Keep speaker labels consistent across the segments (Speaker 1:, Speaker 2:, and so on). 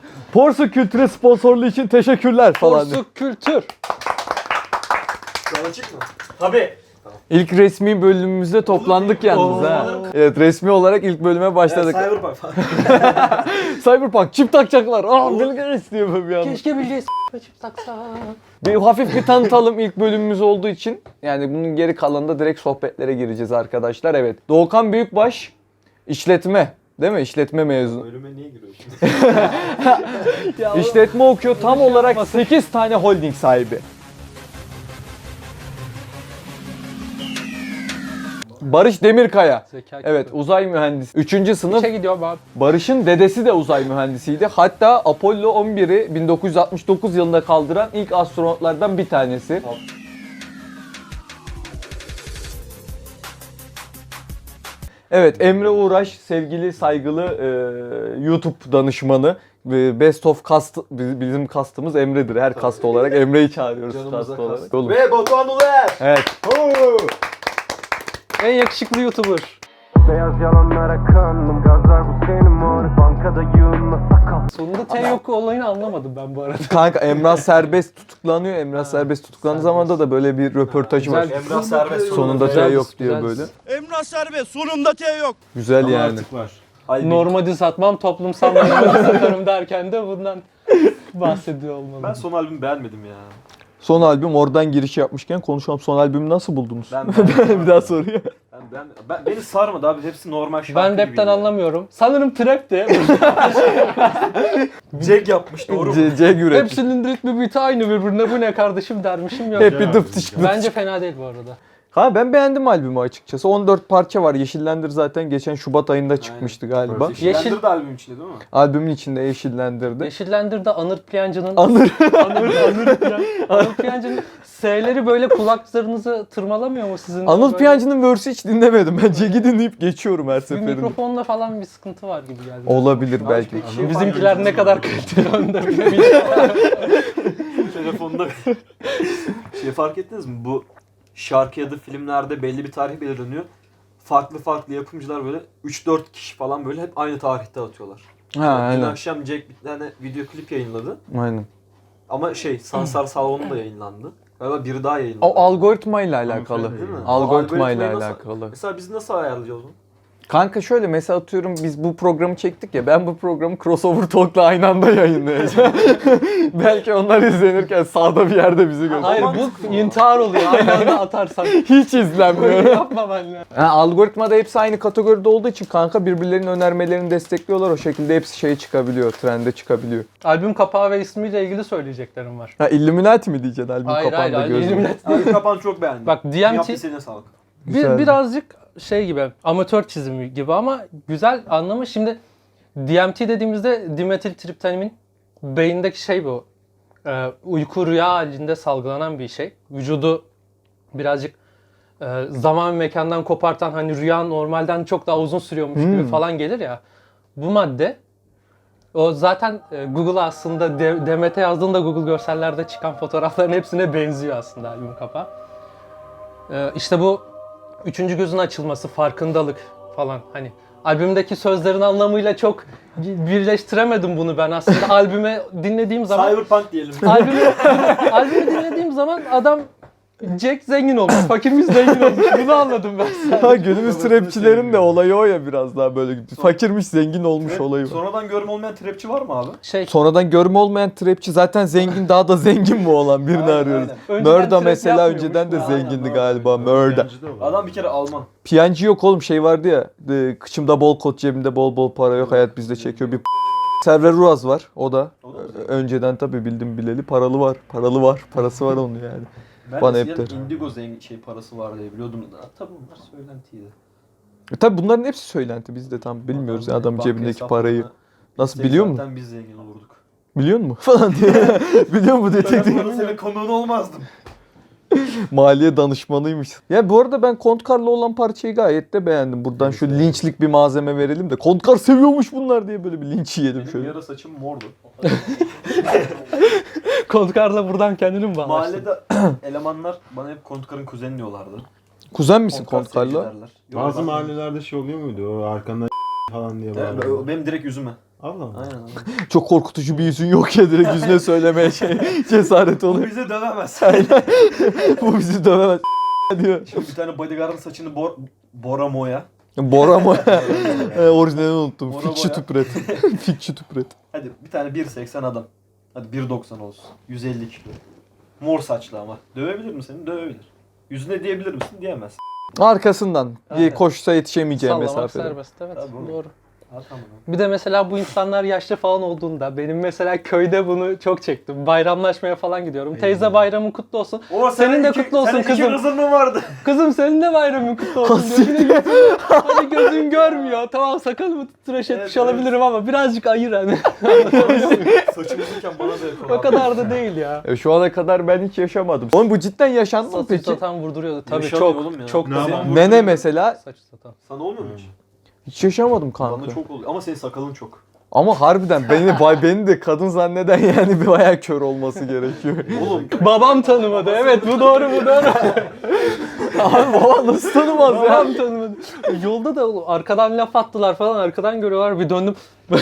Speaker 1: Porsuk Kültür'e sponsorluğu için teşekkürler falan.
Speaker 2: Porsuk Kültür.
Speaker 3: Sana açık mı? Tabii.
Speaker 1: İlk resmi bölümümüzde toplandık yalnız ha. Evet, resmi olarak ilk bölüme başladık.
Speaker 3: Cyberpunk falan.
Speaker 1: Cyberpunk çip takacaklar. Bilgeniz diyor böyle bir anda.
Speaker 2: Keşke bileceğiz. Çip taksa.
Speaker 1: Bir hafif bir tanıtalım ilk bölümümüz olduğu için. Yani bunun geri kalanında direkt sohbetlere gireceğiz arkadaşlar. Evet. Doğukan Büyükbaş işletme. Değil mi? İşletme mezunu.
Speaker 3: Bölüme niye giriyorsun?
Speaker 1: İşletme okuyor. Tam olarak 8 tane holding sahibi. Barış Demirkaya.
Speaker 2: Zeka
Speaker 1: Evet, uzay mühendisi. 3. sınıf.
Speaker 2: İçe gidiyorum abi.
Speaker 1: Barış'ın dedesi de uzay mühendisiydi. Hatta Apollo 11'i 1969 yılında kaldıran ilk astronotlardan bir tanesi. Evet, Emre Uğraş, sevgili, saygılı YouTube danışmanı. Best of Cast, bizim kastımız Emre'dir. Her kast olarak Emre'yi çağırıyoruz kast olarak. Oğlum.
Speaker 3: Ve Batuhan Uluer.
Speaker 1: Evet.
Speaker 2: En yakışıklı YouTuber.
Speaker 4: Beyaz yalanlara kandım, gazlar bu senin mor, bankada yığınla sakal.
Speaker 2: Sonunda T yok olayını anlamadım ben bu arada.
Speaker 1: Kanka Emrah Serbest tutuklanıyor. Emrah Serbest tutuklandığı zamanda da böyle bir röportajı var.
Speaker 2: Güzel.
Speaker 3: Emrah Serbest.
Speaker 1: Sonunda T yok diyor böyle.
Speaker 5: Emrah Serbest sonunda T yok.
Speaker 1: Güzel yani.
Speaker 5: Artık var.
Speaker 2: Normadi satmam, toplumsal normadi satarım derken de bundan bahsediyor olmalı.
Speaker 3: Ben son albümü beğenmedim ya.
Speaker 1: Son albüm, oradan giriş yapmışken konuşalım. Son albümü nasıl buldunuz?
Speaker 3: Ben
Speaker 1: Bir daha soruyor.
Speaker 3: beni sarmadı abi. Hepsi normal şarkı
Speaker 2: Ben
Speaker 3: gibiydi.
Speaker 2: rapten anlamıyorum. Sanırım trap de.
Speaker 3: Jack yapmış doğru mu?
Speaker 1: C üretmiş.
Speaker 2: Hepsinin ritmi biti aynı birbirine. Bu ne kardeşim dermişim yok.
Speaker 1: Hep bir dıptış dıptış.
Speaker 2: Bence fena değil bu arada.
Speaker 1: Ha, ben beğendim albümü açıkçası. 14 parça var. Yeşillendir zaten geçen Şubat ayında çıkmıştı galiba.
Speaker 3: Yeşil de albüm içinde değil mi?
Speaker 1: Albümün içinde Yeşillendir'di.
Speaker 2: Yeşillendir'de Anır Piyancı'nın
Speaker 1: Anır.
Speaker 2: Anır Piyancı'nın S'leri böyle kulaklarınızı tırmalamıyor mu sizin?
Speaker 1: Anıl
Speaker 2: Böyle
Speaker 1: Piyancı'nın verse'ü hiç dinlemedim. Ben Jack'i dinleyip geçiyorum her
Speaker 2: bir
Speaker 1: seferinde.
Speaker 2: mikrofonla falan bir sıkıntı var gibi geldi.
Speaker 1: Olabilir belki.
Speaker 3: peki şey
Speaker 2: Bizimkiler ne kadar kaliteli onu da bilmiyorum.
Speaker 3: Telefonda şey fark ettiniz mi? Bu şarkı ya da filmlerde belli bir tarih belirleniyor. Farklı yapımcılar böyle 3-4 kişi falan böyle hep aynı tarihte atıyorlar.
Speaker 1: Ha,
Speaker 3: Dün
Speaker 1: aynen.
Speaker 3: akşam Jack bir tane video klip yayınladı.
Speaker 1: Aynen.
Speaker 3: Ama Sansar Salonu da yayınlandı. Galiba biri daha yayınladı.
Speaker 1: O algoritma ile alakalı.
Speaker 3: Değil mi?
Speaker 1: Algoritma ile
Speaker 3: Algoritmayı nasıl-
Speaker 1: alakalı.
Speaker 3: Mesela biz nasıl ayarlayacağız onu?
Speaker 1: Kanka şöyle, mesela atıyorum biz bu programı çektik ya, ben bu programı Crossover Talk'la aynı anda yayınlayacağım. Belki onlar izlenirken sağda bir yerde bizi gösterir.
Speaker 2: Hayır bu intihar oluyor. Aynı anda atarsan.
Speaker 1: Hiç izlenmiyor.
Speaker 2: Yapma benimle.
Speaker 1: Algoritmada hepsi aynı kategoride olduğu için kanka birbirlerinin önermelerini destekliyorlar. O şekilde hepsi çıkabiliyor, trende çıkabiliyor.
Speaker 2: Albüm kapağı ve ismiyle ilgili söyleyeceklerim var.
Speaker 1: Ha, Illuminati mi diyeceksin albüm
Speaker 2: Hayır
Speaker 1: kapağında
Speaker 2: hayır.
Speaker 1: gözüm?
Speaker 2: Illuminati
Speaker 3: Abi kapan çok beğendim.
Speaker 2: Bak
Speaker 3: Yaptı
Speaker 2: DMT
Speaker 3: senin sağlık.
Speaker 1: Güzeldi.
Speaker 2: birazcık şey gibi, amatör çizimi gibi ama güzel anlamı. Şimdi DMT dediğimizde dimetil triptanimin beyindeki şey bu. Uyku rüya halinde salgılanan bir şey. Vücudu birazcık zaman ve mekandan kopartan, hani rüya normalden çok daha uzun sürüyormuş gibi falan gelir ya. Bu madde o zaten Google'a aslında DMT yazdığında Google görsellerde çıkan fotoğrafların hepsine benziyor aslında albüm kapağı. İşte bu üçüncü gözün açılması, farkındalık falan, hani albümdeki sözlerin anlamıyla çok birleştiremedim bunu ben aslında. Albüme dinlediğim zaman
Speaker 3: Cyberpunk diyelim.
Speaker 2: albümü dinlediğim zaman adam Jack zengin olmuş, fakirmiş zengin olmuş. Bunu anladım ben sadece.
Speaker 1: Ha, günümüz trapçilerin de olayı o ya, biraz daha böyle fakirmiş zengin olmuş olayı var.
Speaker 3: Sonradan görme olmayan trapçi var mı abi?
Speaker 1: Sonradan görme olmayan trapçi zaten zengin, daha da zengin mi olan birini
Speaker 3: Aynen,
Speaker 1: arıyoruz.
Speaker 3: aynen.
Speaker 2: Önceden
Speaker 1: Mörda
Speaker 2: trap
Speaker 1: mesela
Speaker 2: yapmıyormuş.
Speaker 1: önceden de
Speaker 3: Aynen,
Speaker 1: zengindi
Speaker 3: Mörda.
Speaker 1: galiba. Mörda.
Speaker 3: Adam bir kere Alman.
Speaker 1: Piyancı yok oğlum, şey vardı ya. Kıçımda bol kot, cebimde bol bol para yok, hayat bizde çekiyor. Bir Server Ruaz var, o da.
Speaker 3: O da mı zengin?
Speaker 1: Önceden tabii bildim bileli paralı var. Parası var onun yani.
Speaker 3: Ben
Speaker 1: Bana
Speaker 3: eskiden
Speaker 1: hep der.
Speaker 3: Indigo parası var diye biliyordum da. Tabii bunlar söylentiydi.
Speaker 1: Tabii bunların hepsi söylenti, biz de tam bilmiyoruz ya adamın
Speaker 3: Banka
Speaker 1: cebindeki parayı.
Speaker 3: hesaplarına
Speaker 1: Nasıl
Speaker 3: gitsek
Speaker 1: biliyor mu?
Speaker 3: Zaten biz zengin olurduk.
Speaker 1: Biliyor mu? Falan diye. Biliyor mu
Speaker 3: Ben
Speaker 1: detektif?
Speaker 3: burada senin konuğun olmazdım.
Speaker 1: Maliye danışmanıymış. Ya bu arada ben Kontkar'la olan parçayı gayet de beğendim. Buradan şu linçlik bir malzeme verelim de. Kontkar seviyormuş bunlar diye böyle bir linç yiyelim
Speaker 3: Benim
Speaker 1: şöyle.
Speaker 3: yara saçım mordu.
Speaker 2: Kontkarla buradan kendini mi bağlaştın?
Speaker 3: Mahallede elemanlar bana hep Kontkar'ın kuzeni diyorlardı.
Speaker 1: Kuzen misin
Speaker 3: Kontkar
Speaker 1: Kontkar'la?
Speaker 3: sevgi derler.
Speaker 5: Bazı
Speaker 3: Yok,
Speaker 5: mahallelerde şey oluyor muydu? O arkandan falan diye bağırıyor.
Speaker 3: benim direkt yüzüme.
Speaker 6: Allah Allah.
Speaker 3: Aynen.
Speaker 1: Çok korkutucu bir yüzün yok ya, direkt yüzüne söylemeye cesaret
Speaker 3: Bu
Speaker 1: oluyor.
Speaker 3: bizi dövemez.
Speaker 1: Bu bizi dövemez diyor.
Speaker 3: Şimdi bir tane bodyguard'ın saçını Bora Moya.
Speaker 1: Bora mı? Orijinalini unuttum.
Speaker 3: Bora
Speaker 1: Fikçi
Speaker 3: boya.
Speaker 1: tüpret. Fikçi tüpret.
Speaker 3: Hadi bir tane 1.80 adam. Hadi 1.90 olsun. 150 kilo. Mor saçlı ama. Dövebilir mi seni? Dövebilir. Yüzüne diyebilir misin? Diyemez.
Speaker 1: Arkasından
Speaker 3: Aynen.
Speaker 1: koşsa yetişemeyeceği
Speaker 2: Sallamak
Speaker 1: mesafede.
Speaker 2: serbest, evet,
Speaker 3: Tabii oğlum.
Speaker 2: doğru.
Speaker 3: Ha tamam.
Speaker 2: Bir de mesela bu insanlar yaşlı falan olduğunda, benim mesela köyde bunu çok çektim. Bayramlaşmaya falan gidiyorum. Teyze bayramın kutlu olsun.
Speaker 3: O
Speaker 2: Senin de kutlu olsun
Speaker 3: senin
Speaker 2: kızım.
Speaker 3: iki kızın mı vardı?
Speaker 2: Kızım senin de bayramın kutlu olsun diyor. Bir de gözün, hani gözün görmüyor. Tamam sakalımı tıraş etmiş
Speaker 3: Evet,
Speaker 2: olabilirim ama birazcık ayır hani.
Speaker 3: Saçım uzunken bana da yapıyorlar.
Speaker 2: O kadar da değil ya.
Speaker 1: Şu ana kadar ben hiç yaşamadım. Oğlum bu cidden yaşandı mı
Speaker 2: Saçı
Speaker 1: peki?
Speaker 2: satan vurduruyordu. Tabii
Speaker 3: Yaşanıyor
Speaker 2: çok,
Speaker 3: oğlum ya.
Speaker 2: çok
Speaker 6: Ne
Speaker 2: da
Speaker 6: zaman
Speaker 2: var.
Speaker 1: Nene mesela
Speaker 2: Saçı satan.
Speaker 3: Sana olmuyor mu hiç?
Speaker 1: hiç yaşamadım kanka.
Speaker 3: Bana çok oluyor. Ama senin sakalın çok.
Speaker 1: Ama harbiden beni de kadın zanneden yani bir bayağı kör olması gerekiyor.
Speaker 3: Oğlum.
Speaker 2: Babam tanımadı. Evet bu doğru bu doğru.
Speaker 1: Abi baba nasıl tanımaz ya?
Speaker 2: Babam tanımadı. Yolda da arkadan laf attılar falan. Arkadan görüyorlar. Bir döndüm.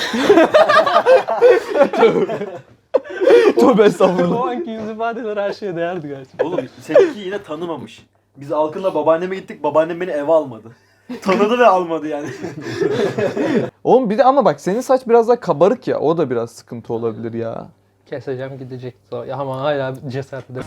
Speaker 1: Tövbe estağfurullah.
Speaker 2: O anki yüz ifadeler her şeye değerdi gerçekten.
Speaker 3: Oğlum seninki yine tanımamış. Biz Alkın'la babaanneme gittik. Babaannem beni eve almadı. Tanıdı ve almadı yani.
Speaker 1: Oğlum bir de ama bak senin saç biraz daha kabarık ya. O da biraz sıkıntı olabilir ya.
Speaker 2: Keseceğim gidecek. Ya ama hala cesaretli.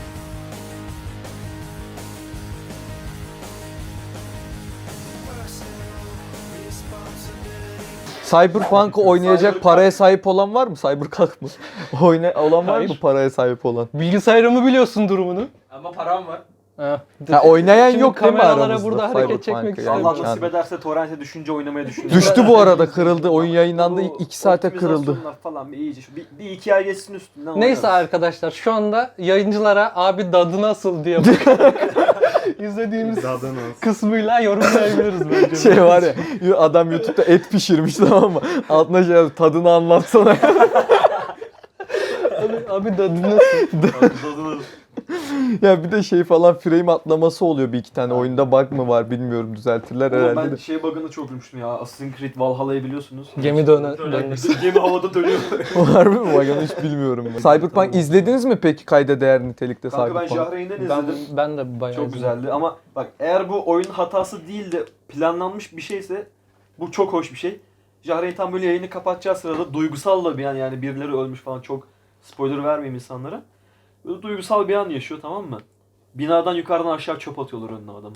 Speaker 1: Cyberpunk'ı oynayacak paraya sahip olan var mı? Cyberpunk mı? Olan var mı
Speaker 2: Hayır.
Speaker 1: paraya sahip olan?
Speaker 2: Bilgisayarımı biliyorsun durumunu.
Speaker 7: Ama param var.
Speaker 2: Ha.
Speaker 1: Ha, oynayan
Speaker 2: Şimdi
Speaker 1: yok değil mi
Speaker 2: kameralara
Speaker 1: aramızda?
Speaker 2: burada hareket
Speaker 1: Cyberpunk'ı
Speaker 2: çekmek
Speaker 1: yani?
Speaker 3: Allah
Speaker 2: istedim.
Speaker 3: nasip ederse torrente düşünce oynamayı düşünüyorum.
Speaker 1: Düştü bu arada, kırıldı. Oyun yayınlandı
Speaker 3: Bu
Speaker 1: 2 saate kırıldı.
Speaker 3: optimizasyonlar falan bir iyice. Bir iki ay geçsin üstünden.
Speaker 2: Neyse
Speaker 3: oynarız.
Speaker 2: arkadaşlar şu anda yayıncılara abi dadı nasıl diye bakarak izlediğimiz
Speaker 6: Dadın olsun.
Speaker 2: kısmıyla yorumlayabiliriz bence.
Speaker 1: Şey var ya, adam YouTube'da et pişirmiş tamam mı? Altına şey yazıyor, tadını anlatsana.
Speaker 2: Abi dadı nasıl?
Speaker 3: Tadını-
Speaker 1: Ya bir de şey falan, frame atlaması oluyor bir iki tane. Oyunda bug mı var bilmiyorum, düzeltirler
Speaker 3: Oğlum
Speaker 1: herhalde
Speaker 3: ben
Speaker 1: de.
Speaker 3: şey bug'ını çok gülmüştüm ya. Assassin's Creed Valhalla'yı biliyorsunuz.
Speaker 2: Gemi dönmesi.
Speaker 3: Gemi havada dönüyor.
Speaker 1: Harbi mi? Bak onu hiç bilmiyorum. Ben. Cyberpunk izlediniz mi peki kayda değer nitelikte
Speaker 3: Kanka ben
Speaker 1: Cyberpunk?
Speaker 3: Jahreyn'den
Speaker 2: Ben,
Speaker 3: izledim.
Speaker 2: ben de bayağı
Speaker 3: Çok
Speaker 2: izledim.
Speaker 3: güzeldi ama bak eğer bu oyun hatası değil de planlanmış bir şeyse bu çok hoş bir şey. Jahreyn tam böyle yayını kapatacağı sırada duygusal da bir an, yani birileri ölmüş falan, çok spoiler vermeyeyim insanlara. Böyle duygusal bir an yaşıyor, tamam mı? Binadan yukarıdan aşağı çöp atıyorlar önüne adamı.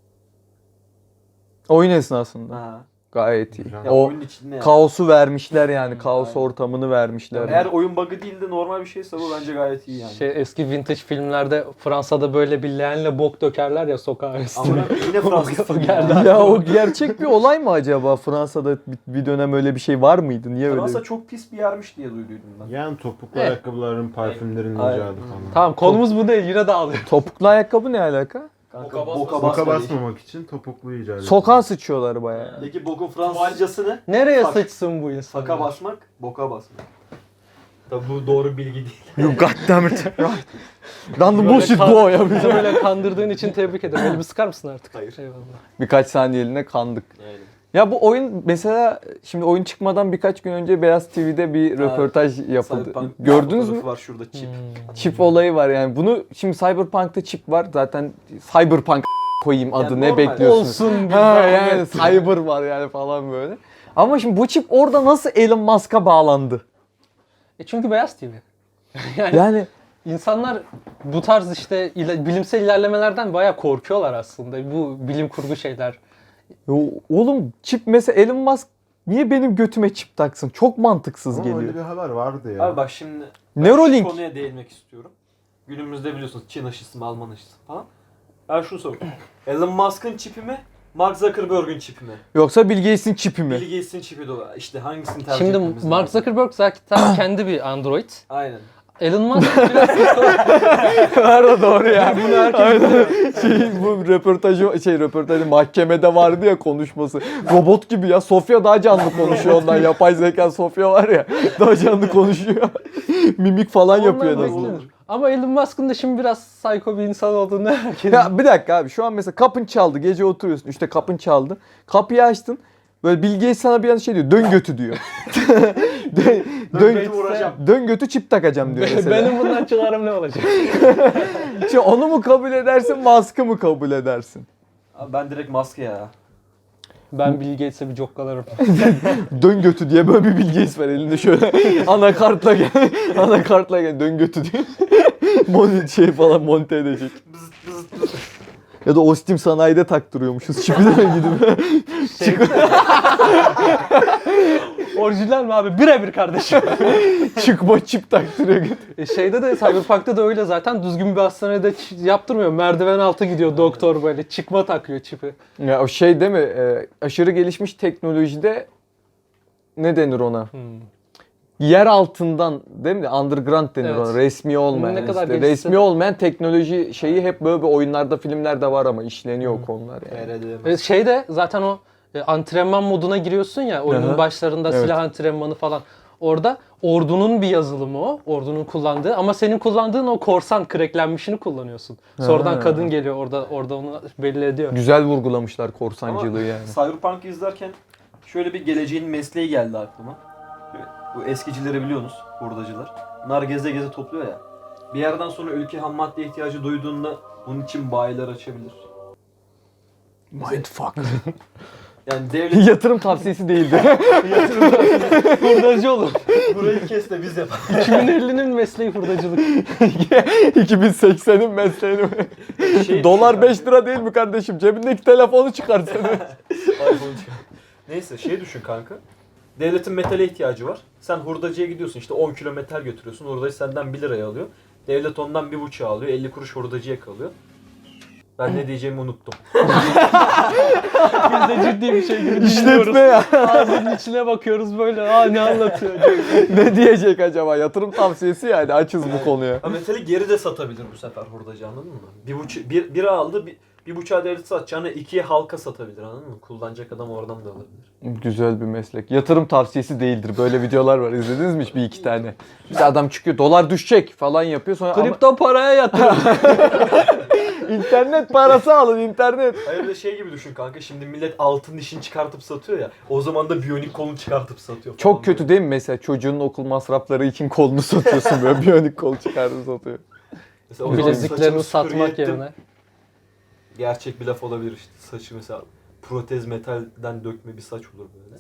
Speaker 1: Oyun esnasında.
Speaker 3: Ha.
Speaker 1: Gayet iyi.
Speaker 6: Güzel.
Speaker 3: Ya
Speaker 1: O
Speaker 3: oyunun içinde yani.
Speaker 1: kaosu vermişler yani. Kaos
Speaker 3: Aynen.
Speaker 1: ortamını vermişler.
Speaker 3: Eğer oyun bug'ı değil de normal bir şeyse bu bence gayet iyi yani.
Speaker 2: Şey, eski vintage filmlerde Fransa'da böyle bir leğenle bok dökerler ya sokağa üstüne.
Speaker 3: Ama yine Fransız
Speaker 2: O
Speaker 3: filmi
Speaker 2: geldi.
Speaker 3: yani.
Speaker 1: Ya o gerçek bir olay mı acaba? Fransa'da bir dönem öyle bir şey var mıydı? Niye öyle?
Speaker 3: Fransa çok pis bir yermiş diye duyduydum ben.
Speaker 6: Yani topuklu
Speaker 2: Evet.
Speaker 6: ayakkabıların, parfümlerin
Speaker 3: Aynen.
Speaker 6: icadı falan.
Speaker 2: Tamam konumuz bu değil yine dağılıyor.
Speaker 1: Topuklu ayakkabı ne alaka?
Speaker 3: Kanka,
Speaker 7: Boka
Speaker 3: boka
Speaker 7: basmasın.
Speaker 6: Boka
Speaker 3: basma değil.
Speaker 6: basmamak için topuklu icat ediyor.
Speaker 1: Sokağa sıçıyorlar bayağı.
Speaker 3: Peki bokun Fransızcası ne?
Speaker 2: Nereye
Speaker 3: Bak,
Speaker 2: sıçsın bu insan?
Speaker 3: Faka basmak, boka basmak. Tabi bu doğru bilgi değil.
Speaker 1: You goddamn it. Random
Speaker 2: Böyle
Speaker 1: bullshit bu ya.
Speaker 2: Bizi böyle kandırdığın için tebrik ederim. Elimi sıkar mısın artık?
Speaker 3: Hayır.
Speaker 2: Eyvallah.
Speaker 1: Birkaç saniyeliğine kandık.
Speaker 3: Aynen.
Speaker 1: Ya bu oyun mesela şimdi oyun çıkmadan birkaç gün önce Beyaz TV'de bir röportaj yapıldı.
Speaker 3: Cyberpunk
Speaker 1: Gördünüz mü?
Speaker 3: fotoğrafı var şurada çip.
Speaker 1: Çip olayı var yani. Bunu şimdi Cyberpunk'ta çip var. Zaten Cyberpunk koyayım adı,
Speaker 3: Yani
Speaker 1: ne
Speaker 3: normal.
Speaker 1: bekliyorsunuz?
Speaker 2: Olsun bir
Speaker 1: Ha yani
Speaker 2: zahmet.
Speaker 1: cyber var yani falan böyle. Ama şimdi bu çip orada nasıl Elon Musk'a bağlandı?
Speaker 2: Çünkü Beyaz TV. yani
Speaker 1: Yani
Speaker 2: insanlar bu tarz işte bilimsel ilerlemelerden bayağı korkuyorlar aslında. Bu bilim kurgu şeyler.
Speaker 1: oğlum çip mesela Elon Musk niye benim götüme çip taksın? Çok mantıksız
Speaker 6: Ama
Speaker 1: geliyor.
Speaker 6: öyle bir haber vardı ya.
Speaker 3: Abi bak şimdi ben
Speaker 1: Neuralink.
Speaker 3: şu konuya değinmek istiyorum. Günümüzde biliyorsunuz Çin aşısı mı, Alman aşısı falan. Ben şunu soruyorum. Elon Musk'ın çipi mi? Mark Zuckerberg'ün çipi mi?
Speaker 1: Yoksa Bill Gates'in çipi mi?
Speaker 3: Bill Gates'in çipi de o. İşte hangisini tercih
Speaker 2: Şimdi
Speaker 3: etmemiz
Speaker 2: Mark
Speaker 3: lazım?
Speaker 2: Zuckerberg zaten kendi bir Android.
Speaker 3: Aynen.
Speaker 2: Elon Musk biraz
Speaker 1: Nerede doğru ya. Bunu herkes bu röportajı mahkemede vardı ya konuşması. Robot gibi ya. Sofya daha canlı konuşuyor ondan. Yapay zeka Sofya var ya. Daha canlı konuşuyor. Mimik falan yapıyor en
Speaker 2: Ondan
Speaker 1: azından.
Speaker 2: beklenir. Ama Elon Musk'ın da şimdi biraz psycho bir insan olduğunu herkes...
Speaker 1: Ya bir dakika abi, şu an mesela kapın çaldı, gece oturuyorsun, işte kapın çaldı, kapıyı açtın, Böyle Bill Gates sana bir an şey diyor. Dön götü diyor.
Speaker 3: Götü vuracağım.
Speaker 1: Dön götü çip takacağım diyor mesela.
Speaker 2: Benim bundan çıkarım ne olacak?
Speaker 1: Şimdi onu mu kabul edersin, Musk'ı mı kabul edersin?
Speaker 3: Abi ben direkt maske ya.
Speaker 2: Ben Bill Gates'e bir cokkalarım.
Speaker 1: Dön götü diye böyle bir Bill Gates var elinde şöyle anakartla gel. Anakartla gel dön götü diye. Şey falan monte edecek. Ya da Ostim sanayide taktırıyormuşuz. Çipilere gidip.
Speaker 2: Orijinal mi abi? Birebir kardeşim.
Speaker 1: Çıkma çip taktırıyor.
Speaker 2: Şeyde de Cyberpunk'ta da öyle zaten. Düzgün bir hastanede yaptırmıyor. Merdiven altı gidiyor doktor böyle. Çıkma takıyor çipi.
Speaker 1: Ya o şey değil mi? Aşırı gelişmiş teknolojide ne denir ona? Yer altından değil mi? Underground denir
Speaker 2: Evet.
Speaker 1: ona. Resmi olmayan.
Speaker 2: Ne kadar
Speaker 1: işte.
Speaker 2: gelişse
Speaker 1: Resmi
Speaker 2: de-
Speaker 1: olmayan teknoloji şeyi hep böyle bir oyunlarda, filmlerde var ama işleniyor o konular yani.
Speaker 2: Şeyde zaten o antrenman moduna giriyorsun ya oyunun
Speaker 1: Aha.
Speaker 2: başlarında
Speaker 1: Evet.
Speaker 2: silah antrenmanı falan. Orada ordunun bir yazılımı o. Ordunun kullandığı ama senin kullandığın o korsan cracklenmişini kullanıyorsun. Sonradan
Speaker 1: Ha.
Speaker 2: kadın geliyor orada onu belli ediyor.
Speaker 1: Güzel vurgulamışlar
Speaker 3: Ama
Speaker 1: korsancılığı yani.
Speaker 3: Cyberpunk'ı izlerken şöyle bir geleceğin mesleği geldi aklıma. Bu eskicileri biliyorsunuz, hurdacılar. Bunlar geze geze topluyor ya. Bir yerden sonra ülke ham madde ihtiyacı duyduğunda bunun için bayiler açabilir.
Speaker 1: Mindfuck.
Speaker 3: Yani devlet
Speaker 1: Yatırım tavsiyesi değildi.
Speaker 2: Hurdacı olur.
Speaker 3: burayı kes de biz yapalım.
Speaker 2: 2050'nin mesleği hurdacılık.
Speaker 1: 2080'in mesleğini. Dolar 5 lira değil mi kardeşim? Cebindeki telefonu çıkarsana.
Speaker 3: Neyse şey düşün kanka. Devletin metale ihtiyacı var. Sen hurdacıya gidiyorsun işte 10 kilo metal götürüyorsun. Hurdacı senden 1 liraya alıyor. Devlet ondan 1,5'a alıyor. 50 kuruş hurdacıya kalıyor. Ben ne diyeceğimi unuttum.
Speaker 2: Biz de ciddi bir şey gibi dinliyoruz.
Speaker 1: İşletme ya.
Speaker 2: Ağzının içine bakıyoruz böyle. Ne anlatıyor?
Speaker 1: Ne diyecek acaba? Yatırım tavsiyesi yani. Açız bu konuya.
Speaker 3: Ha, metali geri de satabilir bu sefer hurdacı anladın mı? 1,5 aldı 1,5'a devlet satacağını 2'ye halka satabilir anladın mı? Kullanacak adam oradan da alabilir.
Speaker 1: Güzel bir meslek. Yatırım tavsiyesi değildir. Böyle videolar var. İzlediniz mi hiç bir iki tane? İşte adam çıkıyor dolar düşecek falan yapıyor sonra ama
Speaker 2: Kripto paraya yatırım.
Speaker 1: internet parası alın internet.
Speaker 3: Hayır de şey gibi düşün kanka şimdi millet altın dişini çıkartıp satıyor ya. O zaman da biyonik kolunu çıkartıp satıyor.
Speaker 1: Çok
Speaker 3: falan
Speaker 1: kötü
Speaker 3: böyle.
Speaker 1: değil mi mesela çocuğunun okul masrafları için kolunu satıyorsun böyle biyonik kol çıkartıp satıyor.
Speaker 3: Mesela o zaman
Speaker 2: Bileziklerini
Speaker 3: saçımı
Speaker 2: satmak
Speaker 3: süpürge ettim.
Speaker 2: yerine.
Speaker 3: Gerçek bir laf olabilir işte. Saçı mesela protez metalden dökme bir saç olur böyle.